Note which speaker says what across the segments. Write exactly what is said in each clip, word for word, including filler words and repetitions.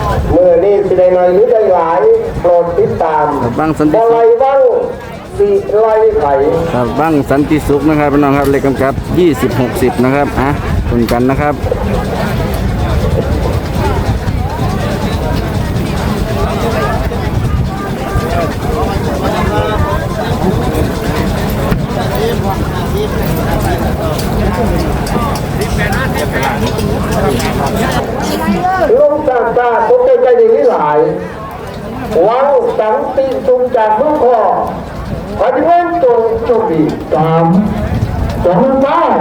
Speaker 1: เมื่อนี้สิได้หน่อยหรือได้หลายโปรดติดตาม
Speaker 2: บ้างสันติ
Speaker 1: บ่
Speaker 2: สุ
Speaker 1: ไร
Speaker 2: ข
Speaker 1: บ้างสิไรไข่
Speaker 2: ครับบ้างสันติสุขนะครับพี่น้องครับเลขกำกับยี่สิบหกสิบนะครับอ่ะคุนกันนะครับ
Speaker 1: ลงจากตาตกใจดีที่หลายวังสังติสุงจากลูกคอปฏิวัติตรงโชคดีสามสองบ้า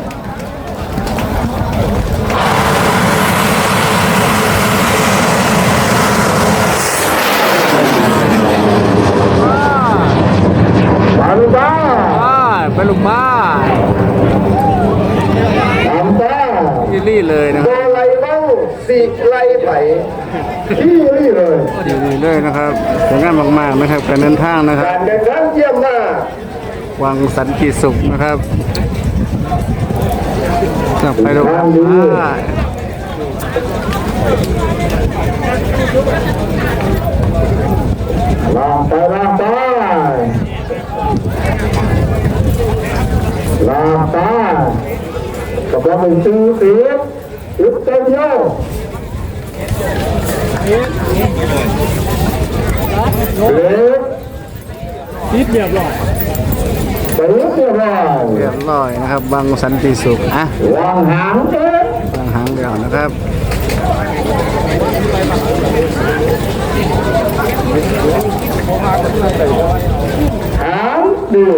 Speaker 1: สามบ้า
Speaker 2: ไปลูกบ้า
Speaker 1: สามบ้า
Speaker 2: ที่รี่เลยนะค
Speaker 1: ตั
Speaker 2: รับ
Speaker 1: วไรบ้างสิไรไผ่ที่นี่เลย
Speaker 2: ที่รี่เลยนะครับสวยงามมากๆนะครับการเดินทางนะครับ
Speaker 1: การเดินทางเยี่ยมมาก
Speaker 2: วังสันติสุขนะครับกลับไปลูกบ้า
Speaker 1: ลามไปลามไปลามไปกำลังเป็นชื่อเสียงยุดเต็มโย่เล็ก
Speaker 3: ติดเรียบร้อย
Speaker 1: ไปเรียบร้อย
Speaker 2: เรียบร้อยนะครับวังสันติสุขอ่ะ
Speaker 1: วางหางเด็ก
Speaker 2: วางหางเดียวนะครับ
Speaker 1: หางเดียว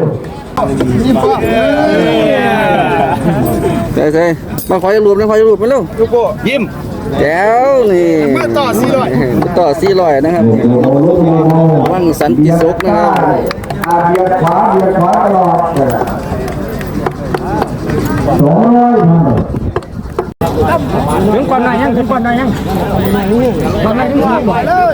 Speaker 2: ใช่ใช่มาขอจะรวมนะขอจะรวมมาเร็ว
Speaker 3: ลูกโป่ยิ้ม
Speaker 2: แจ๋วนี่
Speaker 3: มาต่อสี่ร้อย
Speaker 2: มาต่อสี่ร้อยนะครับวังสันติสุขนะครับ
Speaker 1: อาเบียดขวาเบียดขวาตลอดสองร้อย
Speaker 3: ถึงก่อนหน่อยยังถึงก่อนหน่อยยังก่อนหน่อยถึงก่อนบ่เลย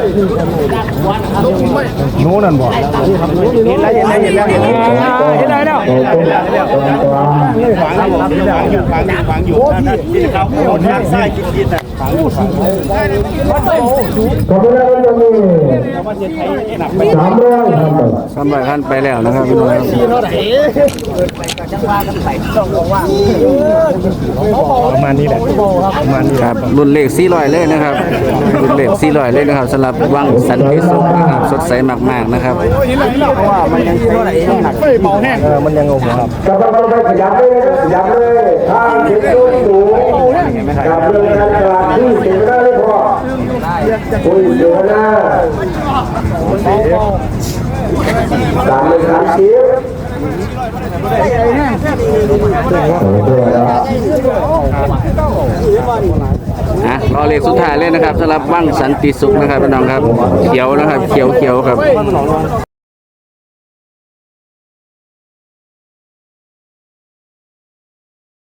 Speaker 3: โน่นั่นบ่เห็นแล้วเห็นแล้วเห็นแล้วเห็นแล้วเห็นแล้วเห็นแล้วฝังอยู่ฝังอยู่ฝังอยู่ฝังอยู่นั่นที่เขาโดนด้านซ้ายกินกินอ่ะฝังอยู่ฝังอยู่
Speaker 1: ก็ไม่ได้จะมีสามร้อยครับ
Speaker 2: สามร้อยขั้นไปแล้วนะครับพี่น้องครับ
Speaker 3: ประมาณนี้แหละประมาณนี้
Speaker 2: ครับรุ่นเลขสี่ร้อยเลยนะครับรุ่นเลขสี่ร้อยเลยนะครับสำหรับวังสันติสุขนะครับสดใสมากๆนะครับ
Speaker 3: เพราะว่ามันยังเท่าไหร่ไม่เบาแห้งเออมันยังงงครับ
Speaker 1: กำลังไปขยับเลยขยับเลยทางเข็มสูงสูงกับเรื่องการตลาดที่เสียไม่ได้เลยพอคุยเดี๋ยวนะสามเลยสามสิบ
Speaker 2: อ่ะรอเลขสุดท้ายเลยนะครับสำหรับวังสันติสุขนะครับพี่น้องครับเขียวนะครับเขียวเขียวครับ